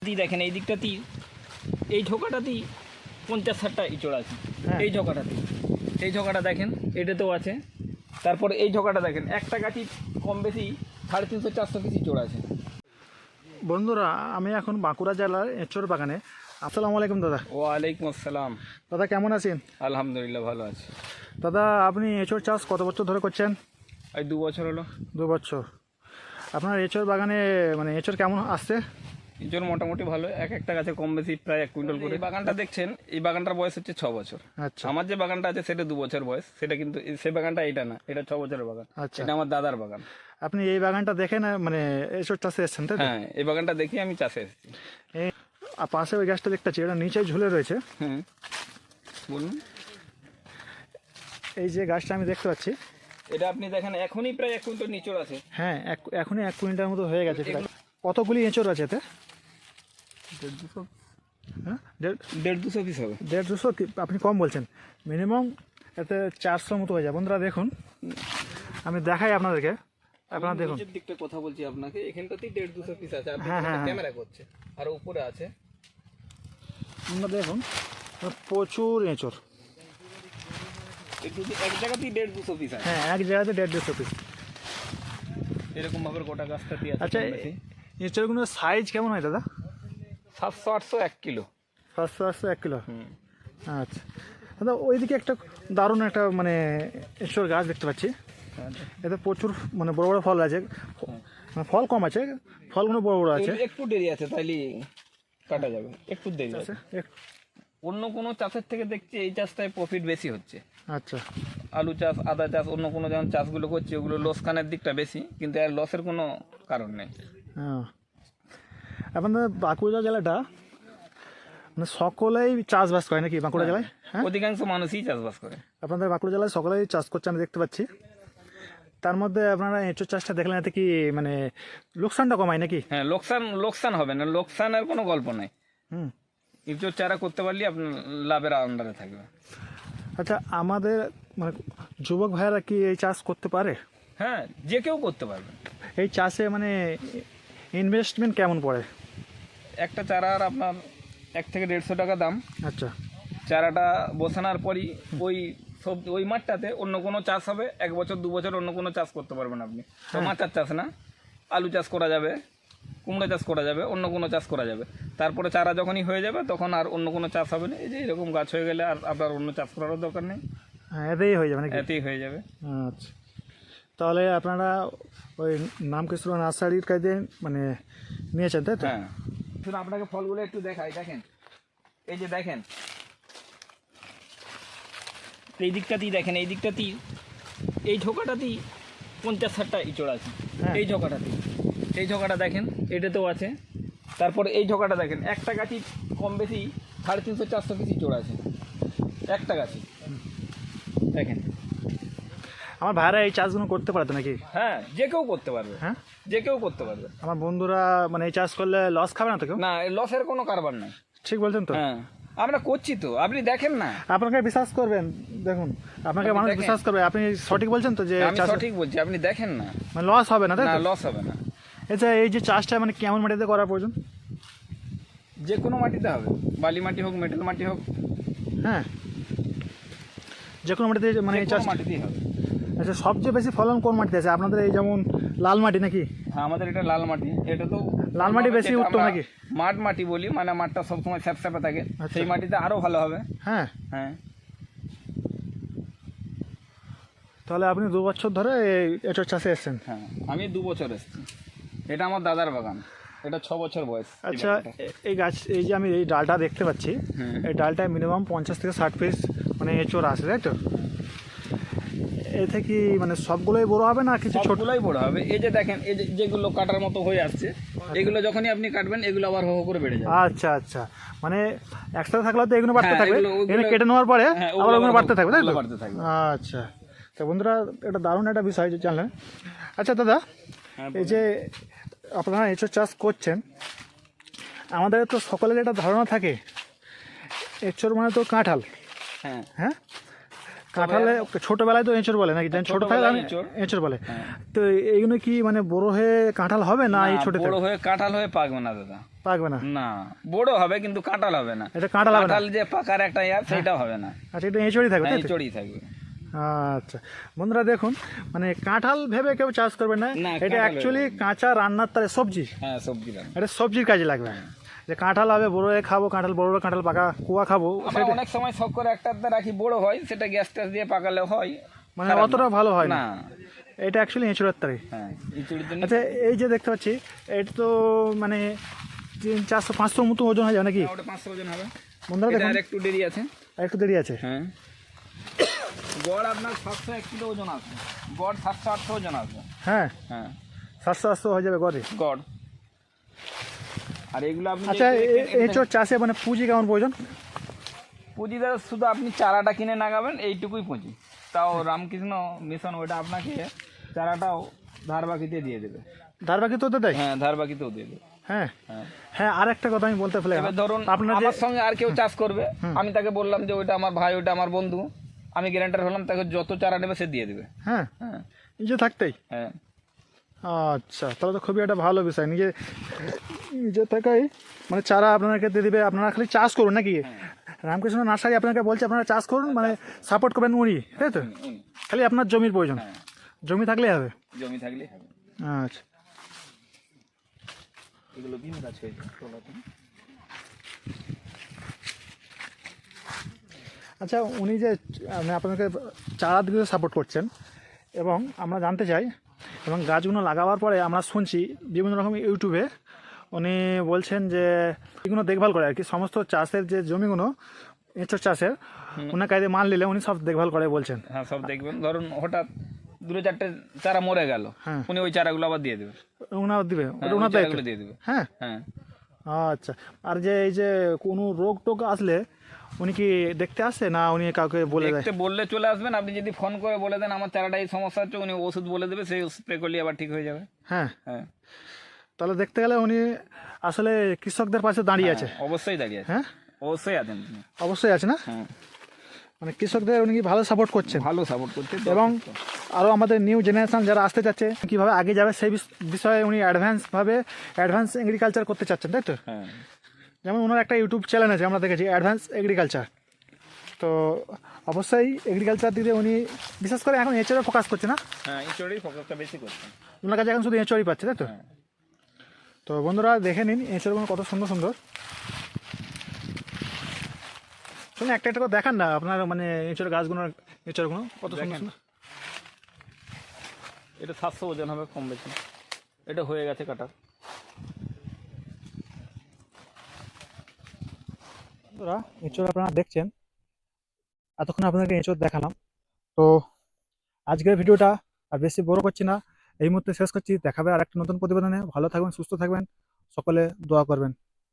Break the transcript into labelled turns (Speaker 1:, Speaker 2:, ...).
Speaker 1: দেখেন এই দিকটাতেই এই ঝোঁকাটাতেই 50-60টা ইঁচড় আছে। এই ঝোঁকাটা দেখেন এটাতেও আছে। তারপরে এই ঝোঁকাটা দেখেন একটা গাছি কম বেশি 350-400 পিস ইঁচড় আছে।
Speaker 2: বন্ধুরা, আমি এখন বাঁকুড়া জেলার এঁচড় বাগানে। আসসালামু আলাইকুম দাদা।
Speaker 1: ওয়ালাইকুম আসসালাম।
Speaker 2: দাদা কেমন আছেন?
Speaker 1: আলহামদুলিল্লাহ ভালো আছে।
Speaker 2: দাদা, আপনি এঁচড় চাষ কত বছর ধরে করছেন?
Speaker 1: এই 2 বছর হলো।
Speaker 2: 2 বছর। আপনার এঁচড় বাগানে মানে এঁচড় কেমন আসছে?
Speaker 1: ইঁচড় মোটামুটি ভালো, একটা গাছে কম বেশি প্রায় 1 কুইন্টাল করে। এই বাগানটা দেখছেন, এই বাগানটার বয়স হচ্ছে 6 বছর।
Speaker 2: আচ্ছা।
Speaker 1: আমার যে বাগানটা আছে সেটা 2 বছর বয়স, সেটা কিন্তু সেই বাগানটা এটা না, এটা 6 বছরের বাগান।
Speaker 2: আচ্ছা।
Speaker 1: এটা আমার দাদার বাগান।
Speaker 2: আপনি এই বাগানটা দেখেন মানে এঁচড় চাষে এসেছেন তাই তো?
Speaker 1: হ্যাঁ, এই বাগানটা দেখি আমি চাষে এসেছি।
Speaker 2: এই পাশে ওই গাছটা দেখতে পাচ্ছি, এটা নিচে ঝুলে রয়েছে।
Speaker 1: হুম, বলুন।
Speaker 2: এই যে গাছটা আমি দেখতে পাচ্ছি,
Speaker 1: এটা আপনি দেখেন এখনই প্রায় 1 কুইন্টাল নিচড় আছে।
Speaker 2: হ্যাঁ এখনই 1 কুইন্টাল মতো হয়ে গেছে। কতগুলি এঁচড় আছে এতে?
Speaker 1: 150
Speaker 2: হ্যাঁ,
Speaker 1: 150 পিস হবে।
Speaker 2: 150। আপনি কম বলছেন, মিনিমাম এতে 400 মতো হয়ে যায়। বন্ধুরা দেখুন, আমি দেখাই আপনাদেরকে। আপনারা দেখুন,
Speaker 1: নিচের দিকটা কথা বলছি আপনাকে, এখানটাতেই 150-200 পিস আছে। আপনি
Speaker 2: হ্যাঁ, হ্যাঁ,
Speaker 1: ক্যামেরা করছে আর উপরে আছে।
Speaker 2: আপনারা দেখুন, প্রচুর এঁচড়।
Speaker 1: একটু এক জায়গাতেই 150-200 পিস আছে।
Speaker 2: হ্যাঁ, এক জায়গাতে 150-200 পিস।
Speaker 1: এরকম ভাবে গোটা গাছটাতে আছে।
Speaker 2: আচ্ছা, এঁচড়গুলোর সাইজ কেমন হয় দাদা?
Speaker 1: 700-800 1 কিলো।
Speaker 2: 700-800 1 কিলো। আচ্ছা দাদা, ওইদিকে একটা দারুণ একটা মানে এঁচড় গাছ দেখতে পাচ্ছি। এতে প্রচুর মানে বড় বড় ফল আছে, ফল কম আছে, ফলগুলো বড় বড় আছে।
Speaker 1: একটু দেরি আছে, তাইলে কাটা যাবে। একটু দেরি আছে।
Speaker 2: আচ্ছা,
Speaker 1: অন্য কোনো চাষের থেকে দেখছি এই চাষটায় প্রফিট বেশি হচ্ছে।
Speaker 2: আচ্ছা।
Speaker 1: আলু চাষ, আদা চাষ, অন্য কোনো যেমন চাষগুলো করছে ওগুলো লোসকানের দিকটা বেশি, কিন্তু এর লসের কোনো কারণ নেই।
Speaker 2: হ্যাঁ, আপনাদের বাঁকুড়া জেলাটা মানে সকলেই চাষবাস করে নাকি বাঁকুড়া জেলায়? হ্যাঁ,
Speaker 1: অধিকাংশ মানুষই চাষবাস করে।
Speaker 2: আপনাদের বাঁকুড়া জেলায় সকলেই চাষ করছে, আমি দেখতে পাচ্ছি। তার মধ্যে আপনারা এঁচড় চাষটা দেখলেন, এতে কি মানে লোকসানটা কমায় নাকি?
Speaker 1: হ্যাঁ, লোকসান হবে না, লোকসানের কোনো গল্প নাই।
Speaker 2: হুম।
Speaker 1: ইঁচড় চারা করতে পারলে আপনার লাভের আন্ডারে থাকবে।
Speaker 2: আচ্ছা, আমাদের মানে যুবক ভাইয়েরা কি এই চাষ করতে পারে?
Speaker 1: হ্যাঁ, যে কেউ করতে পারবে।
Speaker 2: এই চাষে মানে ইনভেস্টমেন্ট কেমন পড়ে?
Speaker 1: একটা চারার আপনার 1 থেকে 150 টাকা দাম।
Speaker 2: আচ্ছা।
Speaker 1: চারাটা বসানোর পরই ওই মাঠটাতে অন্য কোনো চাষ হবে। 1 বছর 2 বছর অন্য কোনো চাষ করতে পারবেন আপনি। টমাটার চাষ না, আলু চাষ করা যাবে, কুমড়া চাষ করা যাবে, অন্য কোনো চাষ করা যাবে। তারপরে চারা যখনই হয়ে যাবে তখন আর অন্য কোনো চাষ হবে না। এই যে এরকম গাছ হয়ে গেলে আর আপনার অন্য চাষ করারও দরকার নেই,
Speaker 2: হ্যাঁ, এতেই হয়ে যাবে নাকি?
Speaker 1: এতেই হয়ে যাবে।
Speaker 2: আচ্ছা, তাহলে আপনারা ওই নামকৃষ্ণ নার্সারির কাছে মানে নিয়েছেন তাই তো?
Speaker 1: হ্যাঁ, শুধু আপনাকে ফলগুলো একটু দেখাই। দেখেন এই যে দেখেন এই দিকটাতেই দেখেন, এই দিকটাতেই এই ঝোঁকাটাতেই 50-60টা ইঁচড় আছে। এই ঝোঁকাটা দেখেন এটাতেও আছে। তারপরে এই ঝোঁকাটা দেখেন একটা গাছি কম বেশি 350-400 পিস ইঁচড় আছে একটা গাছি। দেখেন
Speaker 2: আমার ভাইরা এই চাষগুলো করতে পারতো নাকি?
Speaker 1: হ্যাঁ, যে কেউ করতে পারবে।
Speaker 2: হ্যাঁ,
Speaker 1: যে কেউ করতে পারবে।
Speaker 2: আমার বন্ধুরা মানে এই চাষ করলে লস খাবে না তো কেউ?
Speaker 1: না, লসের কোনো কারবার নাই।
Speaker 2: ঠিক বলছেন তো?
Speaker 1: হ্যাঁ, আমরা করছি তো, আপনি দেখেন না।
Speaker 2: আপনাকে বিশ্বাস করবেন, দেখুন আপনাকে
Speaker 1: আপনি
Speaker 2: মানুষ
Speaker 1: দেখেন।
Speaker 2: বিশ্বাস করবে। আপনি সঠিক বলছেন তো যে
Speaker 1: আমি
Speaker 2: চাষ
Speaker 1: সঠিক বলছি, আপনি দেখেন না।
Speaker 2: মানে লস হবে না তাই
Speaker 1: না,
Speaker 2: তো?
Speaker 1: লস হবে না।
Speaker 2: আচ্ছা, এই যে চাষটা মানে কেমন মাটিতে করা প্রয়োজন?
Speaker 1: যে কোনো মাটিতে হবে, বালি মাটি হোক, মেটাল মাটি হোক,
Speaker 2: হ্যাঁ, যে কোনো মাটিতে মানে এই চাষ।
Speaker 1: মাটিতেই হবে।
Speaker 2: আচ্ছা, সবচেয়ে বেশি ফলন কোন মাটিতে আছে আপনাদের? এই যেমন লাল মাটি নাকি?
Speaker 1: হ্যাঁ, আমাদের এটা লাল মাটি। এটা তো
Speaker 2: লাল মাটি বেশি
Speaker 1: যেটা
Speaker 2: উত্তম
Speaker 1: আমরা
Speaker 2: নাকি?
Speaker 1: মাঠ মাটি বলি, মানে মাঠটা সবসময় স্যাপস্যাপে থাকে।
Speaker 2: আচ্ছা।
Speaker 1: সেই মাটিতে আরো ভালো হবে।
Speaker 2: হ্যাঁ,
Speaker 1: হ্যাঁ,
Speaker 2: তাহলে আপনি 2 বছর ধরে এই এঁচড় চাষে এসেছেন?
Speaker 1: হ্যাঁ, আমি 2 বছর এসেছি। এটা আমার দাদার বাগান, এটা 6 বছর বয়স।
Speaker 2: আচ্ছা, এই গাছ, এই যে আমি এই ডালটা দেখতে পাচ্ছি, এই ডালটায় মিনিমাম 50 থেকে 60 পিস মানে এঁচড় আসে তাই তো? এতে কি মানে সবগুলোই বড় হবে না কিছু ছোট?
Speaker 1: ছোটগুলোই বড় হবে। এই যে দেখেন, এই যে যেগুলো কাটার মতো হয়ে আসছে, এগুলো যখনই আপনি কাটবেন এগুলো আবার হো হো করে বেড়ে যাবে।
Speaker 2: আচ্ছা আচ্ছা, মানে একসাথে থাকলে তো এগুলো বাড়তে
Speaker 1: হ্যাঁ,
Speaker 2: থাকবে,
Speaker 1: ওগুলো-
Speaker 2: এগুলো কেটে নেওয়ার পরে
Speaker 1: হ্যাঁ,
Speaker 2: আবার ওগুলো বাড়তে থাকবে তাই তো?
Speaker 1: ওগুলো বাড়তে থাকবে।
Speaker 2: আচ্ছা, তো বন্ধুরা এটা দারুণ একটা বিষয় যে জানলেন। আচ্ছা দাদা,
Speaker 1: হ্যাঁ,
Speaker 2: এই যে আপনারা এঁচড় চাষ করছেন, আমাদের তো সকলের একটা ধারণা থাকে এঁচড় মানে তো কাঁঠাল।
Speaker 1: হ্যাঁ,
Speaker 2: হ্যাঁ, কাঁঠালে ছোটবেলায় তো এঁচড় বলে নাকি, ছোট থাকে
Speaker 1: ছোটবেলায় এঁচড়।
Speaker 2: এঁচড় বলে।
Speaker 1: হ্যাঁ।
Speaker 2: তো এইগুলো কি মানে বড় হয়ে কাঁঠাল হবে না এই
Speaker 1: না,
Speaker 2: ছোট
Speaker 1: বড় হয়ে কাঁঠাল হয়ে পাকবে না দাদা।
Speaker 2: পাকবে না?
Speaker 1: না, বড় হবে কিন্তু কাঁঠাল হবে না।
Speaker 2: এটা কাঁঠাল হবে না?
Speaker 1: কাঁঠাল যে পাকার একটা সেটা হবে না।
Speaker 2: আচ্ছা, এটা এঁচড়ই থাকবে তাই তো?
Speaker 1: এঁচড়ই থাকবে।
Speaker 2: আচ্ছা বন্ধুরা দেখুন, মানে কাঁঠাল ভেবে কেউ চাষ করবে না,
Speaker 1: না,
Speaker 2: এটা
Speaker 1: কাঁঠাল
Speaker 2: অ্যাকচুয়ালি কাঁচা রান্নার তারে সবজি,
Speaker 1: হ্যাঁ, সবজি রান্না।
Speaker 2: এটা সবজির কাজে লাগবে। যে কাঁঠাল হবে বড় হয়ে খাবো, কাঁঠাল বড় বড় কাঁঠাল পাকা কুয়া খাবো,
Speaker 1: আমরা অনেক সময় শখ করে একটা রাখি, বড় হয়, সেটা গ্যাস ট্যাস দিয়ে পাকালে হয়,
Speaker 2: মানে
Speaker 1: খারাপ
Speaker 2: অতটা
Speaker 1: না।
Speaker 2: ভালো হয় না।
Speaker 1: না,
Speaker 2: এটা অ্যাকচুয়ালি এঁচড়ের তারে।
Speaker 1: হ্যাঁ, এঁচড়ের জন্য।
Speaker 2: আচ্ছা, এই যে দেখতে পাচ্ছি এটা তো মানে 400-500 মতো ওজন হয়ে যাবে নাকি?
Speaker 1: ওটা 500 ওজন হবে।
Speaker 2: বন্ধুরা
Speaker 1: এটা
Speaker 2: দেখুন,
Speaker 1: আর একটু দেরি আছে।
Speaker 2: আর একটু দেরি আছে।
Speaker 1: হ্যাঁ, গড় আপনার 701 কিলো ওজন আসবে, গড় 700-800 ওজন আসবে।
Speaker 2: হ্যাঁ,
Speaker 1: হ্যাঁ,
Speaker 2: 700-800 হয়ে যাবে গড়ে।
Speaker 1: গড়। আর এগুলো আপনি
Speaker 2: আচ্ছা,
Speaker 1: যে দেখছেন,
Speaker 2: এঁচড় চাষে মানে পুঁজি কেমন প্রয়োজন?
Speaker 1: পুঁজি দাদা শুধু আপনি চারাটা কিনে লাগাবেন, এইটুকুই পুঁজি। তাও রামকৃষ্ণ মিশন ওটা আপনাকে চারাটাও ধার বাকিতে দিয়ে দেবে।
Speaker 2: ধার বাকি তো দেয়?
Speaker 1: হ্যাঁ, ধার বাকিতেও দিয়ে দেবে।
Speaker 2: হ্যাঁ
Speaker 1: হ্যাঁ,
Speaker 2: হ্যাঁ, আর একটা কথা আমি বলতে ফেলে
Speaker 1: এবার ধরুন
Speaker 2: আপনার যে
Speaker 1: আমার সঙ্গে আর কেউ চাষ করবে, আমি তাকে বললাম যে ওইটা আমার ভাই, ওইটা আমার বন্ধু, আমি গ্যারান্টার হলাম, তাকে যত চারা নেবে সে দিয়ে দেবে।
Speaker 2: হ্যাঁ
Speaker 1: হ্যাঁ,
Speaker 2: নিজে থাকতেই।
Speaker 1: হ্যাঁ,
Speaker 2: আচ্ছা, তাহলে তো খুবই একটা ভালো বিষয়। নিজে থাকাই মানে চারা আপনাকে দিয়ে দিবে, আপনারা খালি চাষ করুন নাকি? রামকৃষ্ণ নার্সারি আপনাকে বলছে আপনারা চাষ করুন, মানে সাপোর্ট করবেন উনি, তাই তো? খালি আপনার জমির প্রয়োজন,
Speaker 1: হ্যাঁ,
Speaker 2: জমি থাকলেই হবে।
Speaker 1: জমি থাকলে হবে।
Speaker 2: আচ্ছা,
Speaker 1: এগুলো বিম গাছ হয়েছে তোলাতে।
Speaker 2: আচ্ছা, উনি যে মানে আপনাকে চারা দিতে সাপোর্ট করছেন, এবং আমরা জানতে চাই, এবং গাছগুলো লাগাবার পরে আমরা শুনছি বিভিন্ন রকম ইউটিউবে উনি বলছেন যে এগুলো দেখভাল করে আর কি, সমস্ত চাষের যে জমিগুলো এঁচড় চাষের, ওনার কাজে মাল নিলে উনি সব দেখভাল করে বলছেন।
Speaker 1: হ্যাঁ, সব দেখবেন। ধরুন হঠাৎ 2-4টে চারা মরে গেল,
Speaker 2: হ্যাঁ।
Speaker 1: উনি ওই চারাগুলো আবার দিয়ে দেবে।
Speaker 2: ওনার দিবে,
Speaker 1: হ্যাঁ,
Speaker 2: ওটা
Speaker 1: ওই
Speaker 2: ওনার দায়িত্ব।
Speaker 1: চারাগুলো দিয়ে দেবে।
Speaker 2: হ্যাঁ,
Speaker 1: হ্যাঁ,
Speaker 2: আচ্ছা। আর যে এই যে কোনো রোগ টোগ আসলে উনি কি দেখতে আসে না উনি কাউকে বলে দেয়?
Speaker 1: দেখতে বললে চলে আসবেন, আপনি যদি ফোন করে বলে দেন আমার চারাটা এই সমস্যা হচ্ছে, উনি ওষুধ বলে দেবে, সেই স্প্রে করলে আবার ঠিক হয়ে যাবে।
Speaker 2: হ্যাঁ,
Speaker 1: হ্যাঁ,
Speaker 2: তাহলে দেখতে গেলে উনি আসলে কৃষকদের পাশে দাঁড়িয়ে আছে।
Speaker 1: অবশ্যই দাঁড়িয়ে আছে।
Speaker 2: হ্যাঁ,
Speaker 1: অবশ্যই আছেন তিনি।
Speaker 2: অবশ্যই আছে না?
Speaker 1: হ্যাঁ,
Speaker 2: মানে কৃষকদের উনি কি ভালো সাপোর্ট করছেন,
Speaker 1: ভালো সাপোর্ট করতে।
Speaker 2: এবং আরও আমাদের নিউ জেনারেশন যারা আসতে চাচ্ছে কীভাবে আগে যাবে সেই বিষয়ে উনি অ্যাডভান্স এগ্রিকালচার করতে চাচ্ছেন, তাই তো?
Speaker 1: হ্যাঁ,
Speaker 2: যেমন ওনার একটা ইউটিউব চ্যানেল আছে, আমরা দেখেছি অ্যাডভান্স এগ্রিকালচার। তো অবশ্যই এগ্রিকালচার দিকে উনি বিশেষ করে এখন এঁচড়ে ফোকাস করছে না,
Speaker 1: হ্যাঁ, এঁচড়েই ফোকাসটা বেশি করছেন।
Speaker 2: ওনার কাছে এখন শুধু এঁচড়ই পাচ্ছে, তাই তো?
Speaker 1: হ্যাঁ।
Speaker 2: তো বন্ধুরা দেখে নিন এঁচড়গুলো কত সুন্দর সুন্দর। শুনুন, একটা একটা করে দেখান না আপনার মানে এঁচড় গাছগুলোর, এঁচড়গুলো কত সুন্দর সুন্দর।
Speaker 1: এটা 700 ওজন হবে কম বেশি। এটা হয়ে গেছে কাটা।
Speaker 2: বন্ধুরা এঁচড় আপনারা দেখছেন, এতক্ষণ আপনাদেরকে এঁচড় দেখালাম। তো আজকের ভিডিওটা আর বেশি বড় করছি না, এই মুহূর্তে শেষ করছি। দেখাবে আর একটা নতুন প্রতিবেদনে। ভালো থাকবেন, সুস্থ থাকবেন, সকলে দোয়া করবেন।